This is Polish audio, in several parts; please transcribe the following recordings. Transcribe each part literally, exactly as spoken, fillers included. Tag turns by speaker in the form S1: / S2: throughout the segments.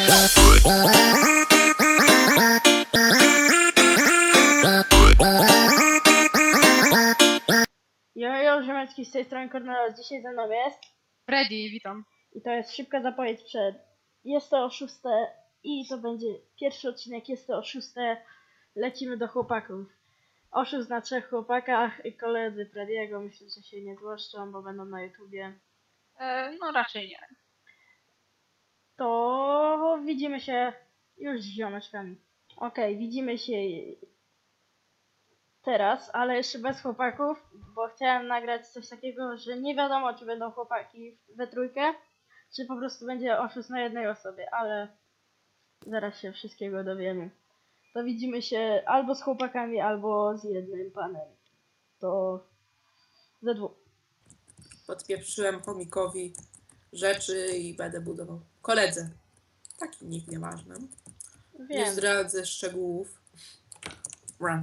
S1: Jojo, Ziemecki z tej strony Kornelos. Dzisiaj ze mną jest
S2: Freddy, witam.
S1: i to jest szybka zapowiedź przed. Jest to o szóste i to będzie pierwszy odcinek, jest to o szóste. Lecimy do chłopaków. Oszust na trzech chłopakach i koledzy Frediego. Myślę, że się nie złoszczą, bo będą na YouTubie.
S2: E, no raczej nie.
S1: To widzimy się już z ziomeczkami. Okej, widzimy się teraz, ale jeszcze bez chłopaków, bo chciałem nagrać coś takiego, że nie wiadomo, czy będą chłopaki we trójkę, czy po prostu będzie oszust na jednej osobie, ale zaraz się wszystkiego dowiemy. To widzimy się albo z chłopakami, albo z jednym panem. To ze dwóch.
S3: Podpieprzyłem chomikowi rzeczy i będę budował. Koledze. Taki nikt nieważny. Nie
S1: Wiem.
S3: zdradzę szczegółów. Run.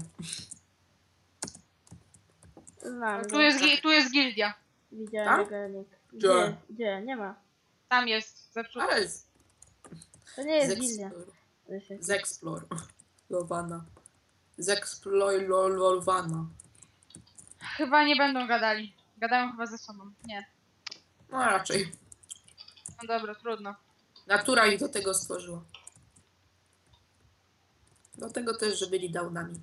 S1: Znam
S2: Tu
S1: go.
S2: jest, gi- tu jest gildia.
S1: Widziałem
S3: Tam?
S1: jego nick.
S3: Gdzie?
S1: Gdzie? Gdzie? Nie ma.
S2: Tam jest, zepsuty.
S3: Ale z,
S1: To nie jest
S3: z,
S1: gildia.
S3: explore, z explorowana. Z explorowana.
S2: Chyba nie będą gadali. Gadają chyba ze sobą. Nie.
S3: No raczej.
S2: No dobra, trudno.
S3: Natura ich do tego stworzyła. Do tego też, że byli downami.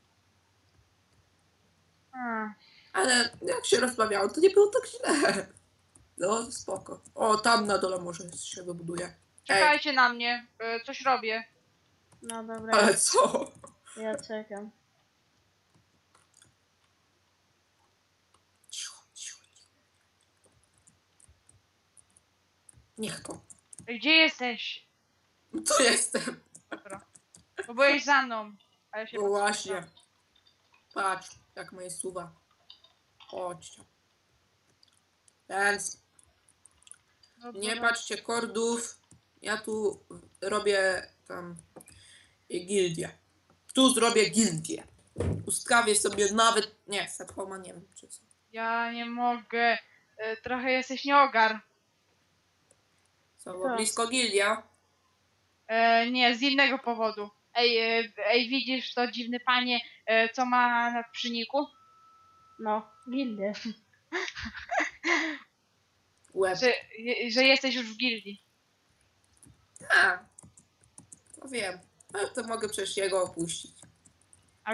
S2: Hmm.
S3: Ale jak się rozmawiało, to nie było tak źle. No spoko. O, tam na dole może się wybuduje.
S2: Czekajcie na mnie. E, coś robię.
S1: No dobra,
S3: Ale co?
S1: ja czekam.
S3: Cicho, cicho, cicho. Niech to.
S2: Ej, gdzie jesteś?
S3: Tu jestem.
S2: Dobra. Bo byłeś za mną. A ja się
S3: No
S2: patrzę.
S3: właśnie. Patrz, jak moje suwa. Chodźcie. Więc
S2: No,
S3: nie
S2: dobra.
S3: patrzcie kordów. Ja tu robię tam gildię. Tu zrobię gildię. Ustawię sobie nawet... Nie, Sephoma nie wiem czy co.
S2: Ja nie mogę. E, trochę jesteś nieogar.
S3: Co, bo
S1: Co?
S3: blisko gildia?
S2: E, nie, z innego powodu. Ej, e, ej, widzisz to dziwny panie, e, co ma na przyniku?
S1: No, gildię.
S3: Łeb.
S2: Że, je- że jesteś już w gildii.
S3: A, to wiem. No to mogę przecież jego opuścić.
S2: A,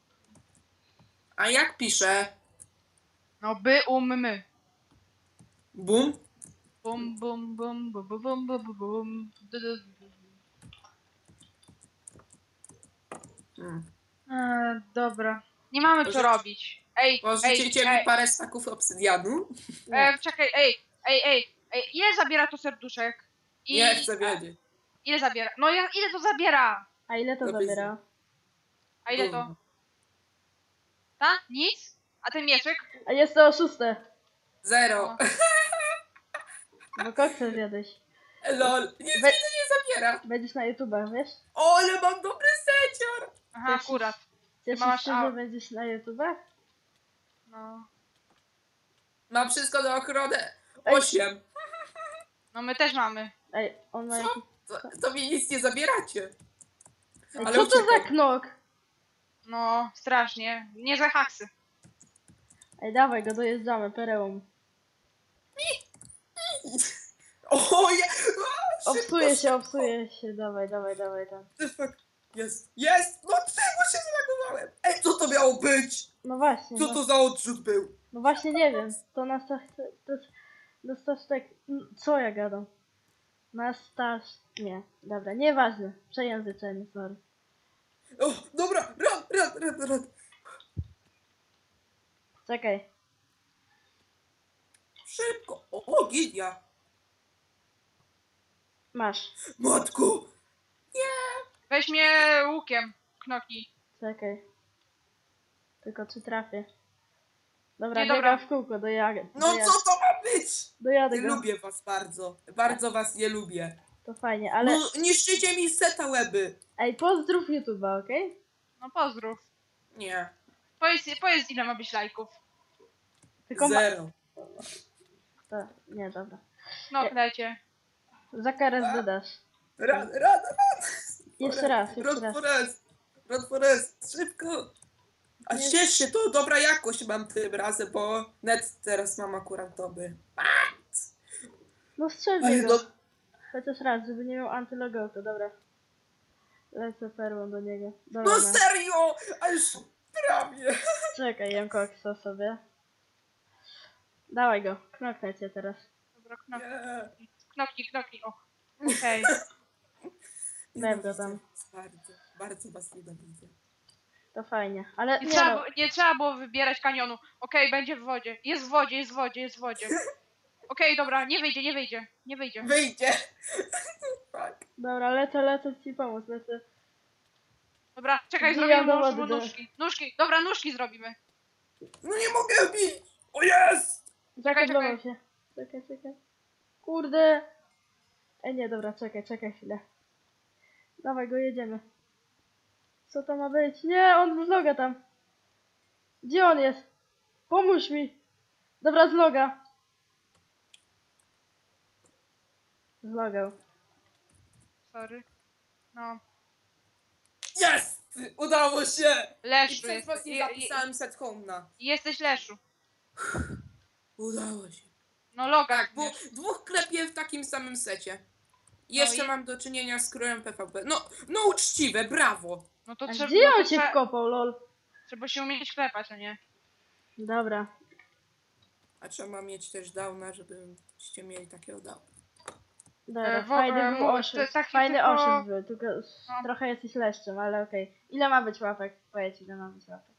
S3: A jak piszę?
S2: no by um my.
S3: Bum?
S2: Bum bum bum bum bum bum bum bum bum. Du, du, du.
S3: Hmm.
S2: E, dobra. Nie mamy co
S3: Pożyczy-
S2: robić. Ej, ej,
S3: Pożyczycie mi
S2: ej,
S3: parę staków obsydianu?
S2: e, czekaj, ej, ej, ej, ej, ile zabiera to serduszek? I,
S3: Nie chcę
S2: a,
S3: wiedzieć.
S2: ile zabiera? No ja, ile to zabiera?
S1: A ile to
S3: No
S1: zabiera?
S2: A ile to? Ta? Nic? A ten mieczek?
S1: A jest to o szóste.
S3: Zero.
S1: Bo koksa zjadłeś.
S3: Lol. Nic mi
S1: Be-
S3: to nie zabiera.
S1: Będziesz na YouTubach, wiesz?
S3: O, ale mam dobry secior.
S2: Aha, akurat.
S1: Cieszysz
S2: masz
S1: się, że
S2: au-
S1: będziesz na YouTubach?
S2: No.
S3: Mam wszystko na ochronę.
S1: Ej.
S3: Osiem.
S2: No my też mamy.
S1: Ej, on ma
S3: Co?
S1: jakiś...
S3: To, to mi nic nie zabieracie.
S1: Ej,
S3: Ale
S1: co to za
S3: uciekam.
S1: knok?
S2: No, strasznie. Nie za haksy.
S1: Ej, dawaj go, dojeżdżamy, perełą.
S3: O, je... O,
S1: Obsuje
S3: szybko,
S1: się, obsuje się, dawaj, dawaj, dawaj tam.
S3: the fuck? Jest, jest! No czemu się zalagowałem? Ej, co to miało być?
S1: No właśnie,
S3: Co
S1: no,
S3: to za odrzut był?
S1: no właśnie nie wiem. To na staż... To, na staż tak... Co ja gadam? Na staż... Nie, dobra, nieważne. Przejęzyczenie, sorry.
S3: O, dobra, run, run, run, run.
S1: Czekaj.
S3: Szybko. O, o, gilia.
S1: Masz.
S3: Matko.
S2: Weź mnie łukiem, knoki.
S1: Czekaj. Tylko czy trafię? Dobra,
S2: Nie, dobra.
S1: biegam w kółko, dojadę.
S3: No
S1: dojadę,
S3: co to ma być?
S1: dojadę
S3: Nie
S1: go.
S3: lubię was bardzo. Bardzo was nie lubię.
S1: To fajnie, ale...
S3: No, niszczycie mi seta łeby.
S1: Ej, pozdrów YouTube'a, okej?
S2: No pozdrów.
S3: Nie.
S2: Powiedz, powiedz ile ma być lajków.
S1: Tylko ma...
S3: Zero.
S1: To, nie, dobra.
S2: No,
S1: Nie.
S2: dajcie.
S1: Za karę
S3: A?
S1: dodasz.
S3: Run, run, run!
S1: Jeszcze raz, jeszcze
S3: Run
S1: raz.
S3: Forest! Run Forest! Szybko! A
S1: Nie.
S3: ciesz się, to dobra jakość mam tym razem, bo net teraz mam akurat dobry.
S1: No strzelcie
S3: Ale
S1: go.
S3: no,
S1: Chociaż raz, żeby nie miał antylogotu, dobra. Lecę perłą do niego. Dobra,
S3: no
S1: no.
S3: serio! A już prawie!
S1: Czekaj, jem koksa sobie. Dawaj go, knoknę cię teraz.
S2: Dobra, knoknij,
S3: Nie.
S2: knoknij, knoknij, o. Okej.
S1: Daj go tam.
S3: Bardzo, bardzo was nienawidzę.
S1: To fajnie, ale
S2: Nie,
S1: nie
S2: trzeba,
S1: no.
S2: było- nie trzeba było wybierać kanionu. Okej, będzie w wodzie. Jest w wodzie, jest w wodzie, jest w wodzie. Okej, dobra, nie wyjdzie, nie wyjdzie, nie wyjdzie.
S3: Wyjdzie! Fuck.
S1: Dobra, lecę, lecę ci pomóc, lecę.
S2: Dobra, czekaj,
S1: Wbijam
S2: zrobimy
S1: do
S2: może
S1: wody, do-
S2: nóżki. Nóżki, dobra, nóżki zrobimy.
S3: No nie mogę bić! O jest!
S1: Zakablował się. Czekaj, czekaj. Kurde. E nie, dobra, czekaj, czekaj chwilę. Dawaj go, jedziemy. Co to ma być? Nie, on z loga tam. Gdzie on jest? Pomóż mi. Dobra, z loga. Zlogał.
S2: Sorry. No,
S3: Jest! Udało się! I
S2: Leszczu
S3: przez
S2: jest.
S3: was nie
S2: je- je-
S3: zapisałem set home na.
S2: Jesteś Leszu.
S3: Udało się.
S2: No loga.
S3: Tak, bo dwóch klepie w takim samym secie. Jeszcze
S2: i-
S3: mam do czynienia z krójem P V P. No, no uczciwe, brawo!
S2: No to
S1: A
S2: trzeba,
S1: gdzie
S2: no to
S1: on się
S2: trzeba,
S1: wkopał, lol?
S2: trzeba się umieć klepać, a nie?
S1: Dobra.
S3: A trzeba mieć też downa, żebyście mieli takiego downa.
S1: Dobra,
S2: E, wo-
S1: fajny
S2: e,
S1: był
S2: mo-
S1: oszust.
S2: to taki
S1: Fajny
S2: tylko-
S1: oszust był, tylko
S2: No.
S1: trochę jesteś leszczem, ale okej. Ile ma być łapek? Powiedz, ile ma być łapek.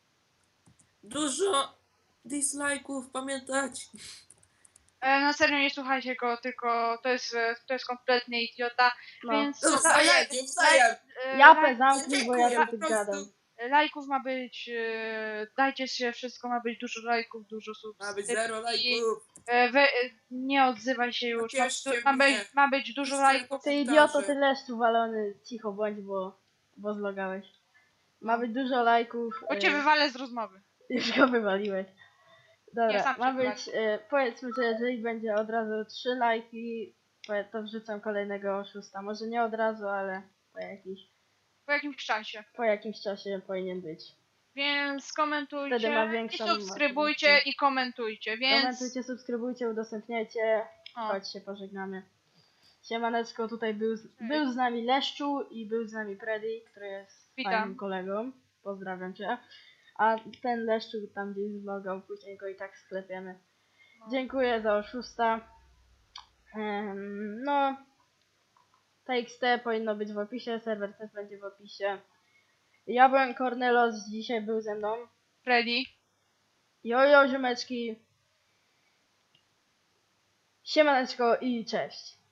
S3: Dużo dislike'ów, pamiętać.
S2: E, na serio nie słuchajcie go, tylko to jest, e, to jest kompletny idiota,
S1: No.
S2: więc
S3: No,
S2: la-
S3: wzajemnie, wzajem.
S2: e,
S1: Japę
S2: laj-
S1: zamknij, bo ja
S3: dziękuję,
S1: tu
S3: po
S1: gadam.
S3: prostu.
S2: lajków ma być, e, dajcie się, wszystko ma być, dużo lajków, dużo
S3: Ma
S2: subskrypcji.
S3: być zero lajków.
S2: E, we, e, nie odzywaj się już, ma,
S3: Cieszcie
S2: ma,
S3: mnie.
S2: być, ma być dużo
S3: Piszcie
S2: lajków.
S1: Ty
S3: komentarze.
S1: idioto, ty leszczu walony, cicho bądź, bo, bo zlogałeś. Ma być dużo lajków.
S2: Bo cię
S1: y,
S2: wywalę z rozmowy.
S1: Już go wywaliłeś.
S2: Nie,
S1: Dobra,
S2: sam
S1: ma
S2: się
S1: być, y, powiedzmy, że jeżeli będzie od razu trzy lajki, powie- to wrzucam kolejnego oszusta. Może nie od razu, ale po, jakiś,
S2: Po jakimś czasie.
S1: po jakimś czasie powinien być.
S2: Więc komentujcie
S1: Wtedy ma
S2: i
S1: większą
S2: subskrybujcie
S1: motywację.
S2: i komentujcie, więc...
S1: Komentujcie, subskrybujcie, udostępniajcie.
S2: O,
S1: Chodź się pożegnamy. Siemaneczko, tutaj był, z-
S2: Cześć.
S1: był z nami Leszczu i był z nami Freddy, który jest
S2: Witam.
S1: fajnym kolegą. Pozdrawiam cię. A ten Leszczu tam gdzieś zlogał, później go i tak sklepiemy.
S2: no.
S1: Dziękuję za oszusta. Em, no. T X T powinno być w opisie, serwer też będzie w opisie. Ja byłem Cornelos, dzisiaj był ze mną.
S2: Freddy.
S1: Jojo, ziomeczki. Siemaneczko i cześć.